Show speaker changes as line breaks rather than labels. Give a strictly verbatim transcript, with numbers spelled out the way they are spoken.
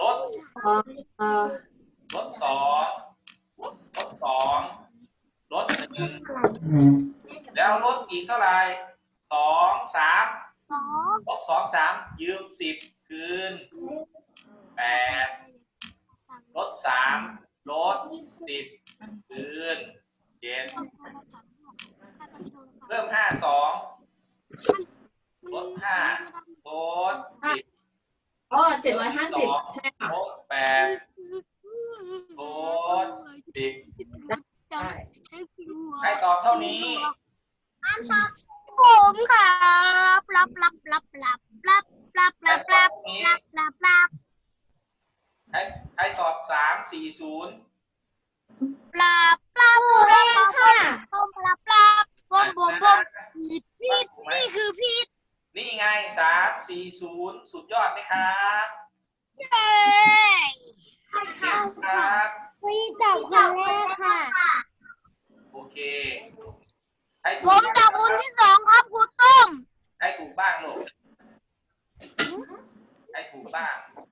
ลดลดสองลดสองลดหนึ่งแล้วลดอีกเท่าไหร่สองสามลบสองสามยืมสิบคืนแปดลดสามลดสิบคืนเจ็ดเริ่มห้าสองลดห้าลดสิบ
อ๋อเจ็ดร้อยห้าสิบใช่ค่ะ
ลดแปดลดสิบใครตอบเท่านี้
ผมครับรับรับรับรับรับรับรับรับรับรับรับ
ใครใครตอบสามสี่ศูนย์
รับรับรับค่ะผมรับรับผมผมผมผิดผิดนี่คือผิด
นี่ไงสามสี่ศูนย์สุดยอดไหมครับ
เย้
ครับ
พี่จับคนแรกค่ะ
โอเค
ผมจับคนที่สองครับครูตุ้ม
ใครถูกบ้างลูกใครถูกบ้าง